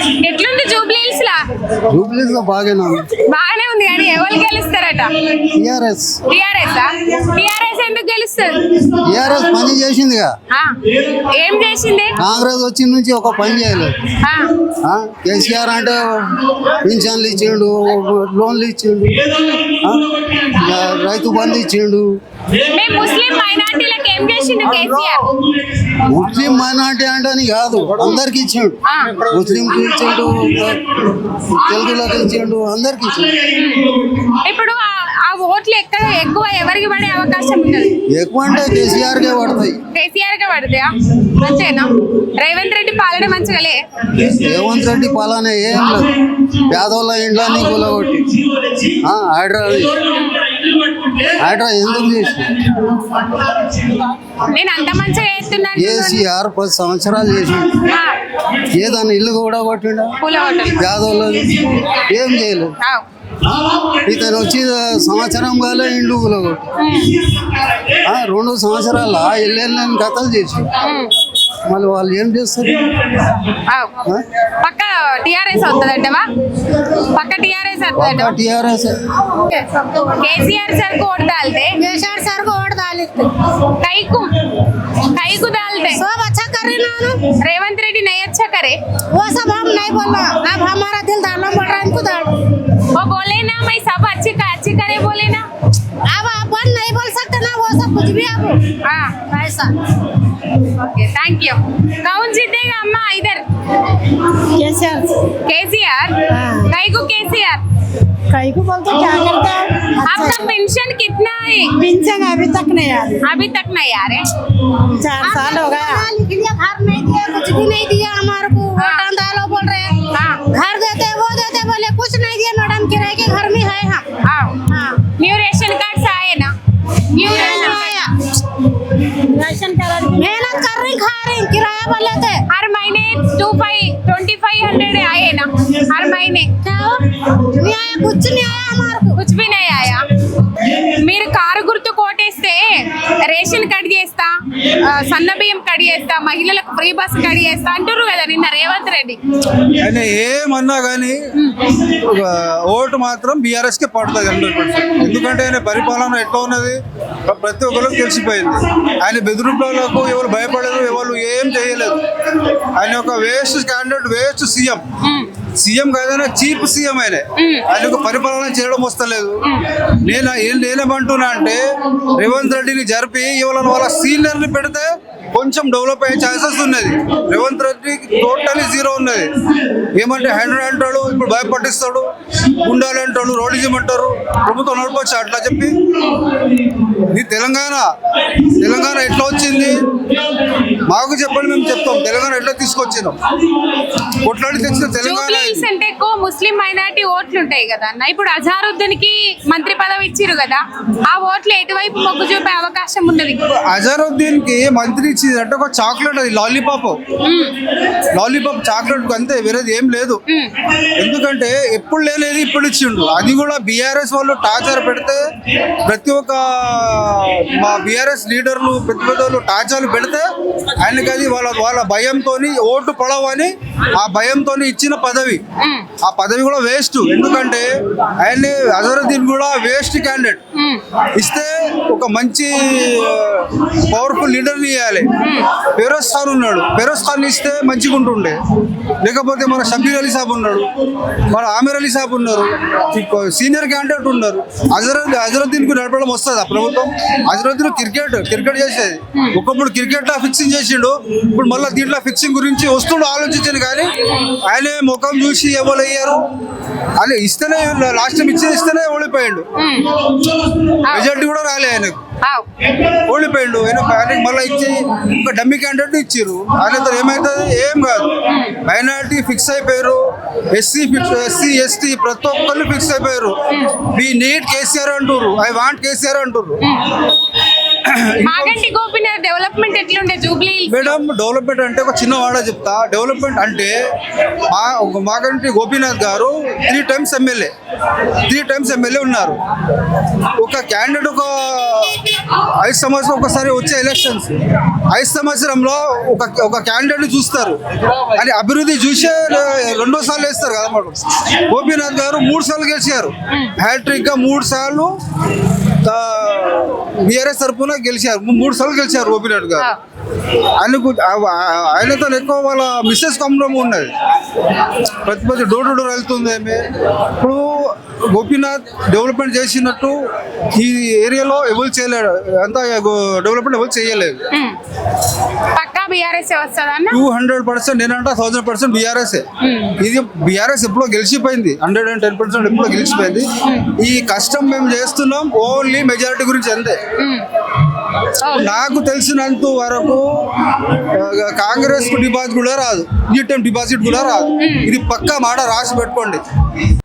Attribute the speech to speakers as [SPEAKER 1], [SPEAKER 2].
[SPEAKER 1] ఎట్లుంది జూబ్లీహిల్స్ లా?
[SPEAKER 2] జూబ్లీస్ లో బాగానే ఉంది.
[SPEAKER 1] బాగానే ఉంది కానీ ఎవరు గెలుస్తారట?
[SPEAKER 2] టిఆర్ఎస్.
[SPEAKER 1] టిఆర్ఎస్ ఎందుకు గెలుస్తుంది?
[SPEAKER 2] టిఆర్ఎస్ పని చేసిందిగా.
[SPEAKER 1] ఆ, ఏం చేసింది?
[SPEAKER 2] కాంగ్రెస్ వచ్చిన నుంచి ఒక పని చేయలేదు.
[SPEAKER 1] ఆ,
[SPEAKER 2] కేసీఆర్ అంటే పింఛన్లు ఇచ్చిండు, లోన్లు ఇచ్చిండు, రైతు బంధు ఇచ్చిండు.
[SPEAKER 1] మేము ముస్లిం మైనార్టీలకు ఏం చేసిండు కేసీఆర్?
[SPEAKER 2] ముస్లిం మైనార్టీ అంటే కాదు, అందరికి ఇచ్చిండు.
[SPEAKER 1] ఆ.
[SPEAKER 2] ముస్లింకి ఇచ్చిండు, తెలుగులకు ఇచ్చిండు, అందరికి ఇచ్చిండు.
[SPEAKER 1] ఇప్పుడు ఆ ఓట్లు ఎక్కువ ఎవరికి పడే అవకాశం ఉన్నది?
[SPEAKER 2] ఎక్కువ అంటే కేసీఆర్కే పడతాయి.
[SPEAKER 1] కేసీఆర్ గా పడతాయా? అంతేనా? రేవంత్ రెడ్డి పాలన మంచిగాలే.
[SPEAKER 2] రేవంత్ రెడ్డి పాలన ఏం లేదు, పేదోళ్ళ ఇండ్లన్నీ కూలగొట్టి హైడ్రా ఎందుకు చేసి
[SPEAKER 1] నేను అంత మంచిగా చేస్తున్నాను.
[SPEAKER 2] కేసీఆర్ 10 సంవత్సరాలు చేసి ఏదన్నా ఇల్లు కూడా కొట్టిండా? పేదోళ్ళది ఏం చేయలేదు. ఇతను వచ్చి సంవత్సరం కాలే ఇండ్లు కూలగొట్టి 2 సంవత్సరాల ఇల్లు కథలు చేసి మళ్ళీ వాళ్ళు ఏం చేస్తారు?
[SPEAKER 1] పక్క టీఆర్ఎస్ అవుతుందంటవా? పక్క టీఆర్ఎస్
[SPEAKER 2] टीआरएस
[SPEAKER 1] केसीआर सर को वोट डालते,
[SPEAKER 3] केसीआर सर को वोट डालते,
[SPEAKER 1] कई को डालते।
[SPEAKER 3] सब अच्छा कर रहे ना,
[SPEAKER 1] रेवंत रेड्डी नहीं अच्छा करे
[SPEAKER 3] वो सब हम नहीं बोलना। अब हमारा दिल डालना पड़ रहा है, इनको डाल।
[SPEAKER 1] वो बोले ना मैं सब अच्छे करे बोले ना।
[SPEAKER 3] अब अपन नहीं बोल सकते ना, वो सब कुछ भी अब
[SPEAKER 1] हाँ
[SPEAKER 3] ऐसा।
[SPEAKER 1] Okay thank you. कौन जीतेगा अम्मा इधर?
[SPEAKER 3] केसीआर।
[SPEAKER 1] केसीआर? कई को केसीआर?
[SPEAKER 3] कई को बोलते क्या करते हैं?
[SPEAKER 1] आपका पेंशन कितना है?
[SPEAKER 3] पेंशन अभी तक नहीं आ रही।
[SPEAKER 1] अभी तक नहीं आ रहे?
[SPEAKER 3] 4 साल हो गया। घर नहीं दिया, कुछ भी नहीं दिया हमारे को। वोट डालो बोल रहे हैं, घर देते वो देते, बोले कुछ नहीं दिया मैडम, किराए के घर में है हम।
[SPEAKER 1] न्यू रेशन कार्ड आए ना? न्यू रेशन
[SPEAKER 3] आया, राशन कार्ड मेहनत कर रही, खा रही, किराया बोले थे
[SPEAKER 1] हर महीने 2500 आए ना हर महीने?
[SPEAKER 3] क्या नहीं आया, कुछ नहीं आया हमारे को,
[SPEAKER 1] कुछ भी नहीं आया। మీరు కారు గుర్తు కోటేస్తే రేషన్ కట్ చేస్తా, సన్న బియ్యం కట్ చేస్తా, మహిళలకు ఫ్రీ బస్ కట్ చేస్తా అంటారు కదా నిన్న రేవంత్ రెడ్డి.
[SPEAKER 4] ఆయన ఏమన్నా కానీ ఓటు మాత్రం బీఆర్ఎస్ కే పడుతుంది 100%. ఎందుకంటే ఆయన పరిపాలన ఎట్లా ఉన్నది ప్రతి ఒక్కరికి తెలిసిపోయింది. ఆయన బెదిరింపులకు ఎవరు భయపడలేదు, ఎవరు ఏం చేయలేదు. ఆయన ఒక వేస్ట్ క్యాండిడేట్, వేస్ట్ సీఎం కాదైనా చీప్ సీఎం ఆయనకు పరిపాలన చేయడం వస్తలేదు. నేనేమంటున్నా అంటే రేవంత్ రెడ్డిని జరిపి ఇవాళ వాళ్ళ సీనియర్ని పెడితే కొంచెం డెవలప్ అయ్యే ఛాన్సెస్ ఉన్నది. రేవంత్ రెడ్డి టోటలీ జీరో ఉన్నది. ఏమంటే 100 అంటాడు, ఇప్పుడు భయపట్టిస్తాడు, గుండాలు అంటాడు, రోడిజం అంటారు, ప్రభుత్వం నడపచ్చు అట్లా చెప్పి. ఇది తెలంగాణ ఎట్లా వచ్చింది మాకు చెప్పండి, మేము చెప్తాం. తెలంగాణ ఎట్లా తీసుకొచ్చినాం, కొట్లాడి తెచ్చిన తెలంగాణ.
[SPEAKER 1] అంటే ఎక్కువ ముస్లిం మైనారిటీ ఓట్లు ఉంటాయి కదా అన్న. ఇప్పుడు అజారుద్దీన్ కి మంత్రి పదవి ఇచ్చిరు కదా, ఆ ఓట్లు ఎటువైపు మొగ్గు చూపే అవకాశం ఉన్నది?
[SPEAKER 4] అజారుద్దీన్ కి మంత్రి అంటే ఒక చాక్లెట్, అది లాలీపాప్ చాక్లెట్ అంతే, వేరేది ఏం లేదు. ఎందుకంటే ఎప్పుడు లేనేది ఇప్పుడు ఇచ్చిండు. అది కూడా బీఆర్ఎస్ వాళ్ళు టార్చర్ పెడితే, ప్రతి ఒక్క మా బీఆర్ఎస్ లీడర్లు పెద్ద పెద్దలు టార్చర్లు పెడితే ఆయనకి అది వాళ్ళ భయంతో ఓటు పడవని ఆ భయంతో ఇచ్చిన పదవి. ఆ పదవి కూడా వేస్ట్. ఎందుకంటే ఆయన అజరుద్దీన్ కూడా వేస్ట్ క్యాండిడేట్. ఇస్తే ఒక మంచి పవర్ఫుల్ లీడర్ని ఇవ్వాలి. ఫిరోజ్ ఖాన్ ఉన్నాడు, ఫిరోజ్ ఖాన్ ఇస్తే మంచిగా ఉంటుండే. లేకపోతే మన షబీర్ అలీ సాబ్ ఉన్నాడు, మన ఆమీర్ అలీ సాబ్ ఉన్నారు, సీనియర్ క్యాండిడేట్ ఉన్నారు. అజరుద్దీన్ కు నడపడం వస్తుంది ఆ ప్రభుత్వం. అజరుద్దీన్ క్రికెట్ చేసేది. ఒకప్పుడు క్రికెట్ లో ఫిక్సింగ్ చేసిండు, ఇప్పుడు మళ్ళీ దీంట్లో ఫిక్సింగ్ గురించి వస్తుండు ఆలోచించాను. కానీ ఆయన ముఖం చూసి ఎవరు అయ్యారు అని ఇస్తేనే, లాస్ట్ టైం ఇస్తేనే ఓడిపోయాడు. మెజార్టీ కూడా రాలే ఆయనకు, ఓడిపోయాడు. ఆయనకు మళ్ళీ ఇచ్చి ఒక డమ్మీ క్యాండిడేట్ ఇచ్చారు. ఆయనతో ఏమవుతుంది? ఏం కాదు. మైనారిటీ ఫిక్స్ అయిపోయారు, ఎస్సీ ఎస్టీ ప్రతి ఒక్కళ్ళు ఫిక్స్ అయిపోయారు. వి నీడ్ కేసీఆర్ అంటారు, ఐ వాంట్ కేసీఆర్ అంటారు.
[SPEAKER 1] మాగంటి గోపీనాథ్ డెవలప్మెంట్ ఎట్లుండే జూబ్లీ హిల్స్?
[SPEAKER 4] మేడం డెవలప్మెంట్ అంటే ఒక చిన్న వాడ చెప్తా. డెవలప్మెంట్ అంటే మాగంటి గోపీనాథ్ గారు 3 times ఎమ్మెల్యే ఉన్నారు. ఒక క్యాండిడేట్ ఒక 5 సంవత్సరం ఒకసారి వచ్చే ఎలక్షన్స్ 5 సంవత్సరంలో ఒక క్యాండిడేట్ చూస్తారు అని అభివృద్ధి చూసే 2వ సార్లు వేస్తారు కదా మేడం. గోపీనాథ్ గారు 3 సార్లు గెలిచారు, హ్యాట్రిక్ గా 3 సార్లు బీఆర్ఎస్ తరఫున గెలిచారు. 3 సార్లు గెలిచారు గోపీనాథ్ గారు. ఆయనతో ఎక్కువ వాళ్ళ మిస్సెస్ కమ్రం ఉన్నది, ప్రతి డోర్ టు డోర్ వెళ్తుంది ఆమె. ఇప్పుడు గోపీనాథ్ డెవలప్మెంట్ చేసినట్టు ఈ ఏరియాలో ఎవరు చేయలేడు, అంతా డెవలప్మెంట్ ఎవరు చేయలేదు.
[SPEAKER 1] పక్కా బీఆర్ఎస్ వస్తుందన్న
[SPEAKER 4] 200%, నేనంటే 1000% బీఆర్ఎస్. ఇది బీఆర్ఎస్ ఎప్పుడో గెలిచిపోయింది, 110% ఎప్పుడో గెలిచిపోయింది. ఈ కష్టం మేము చేస్తున్నాం ఓన్లీ మెజారిటీ గురించి అంతే. నాకు తెలిసినంత వరకు కాంగ్రెస్ కు డిపాజిట్ కూడా రాదు, ఈ టైం డిపాజిట్ కూడా రాదు. ఇది పక్కా మాట రాసి పెట్టుకోండి.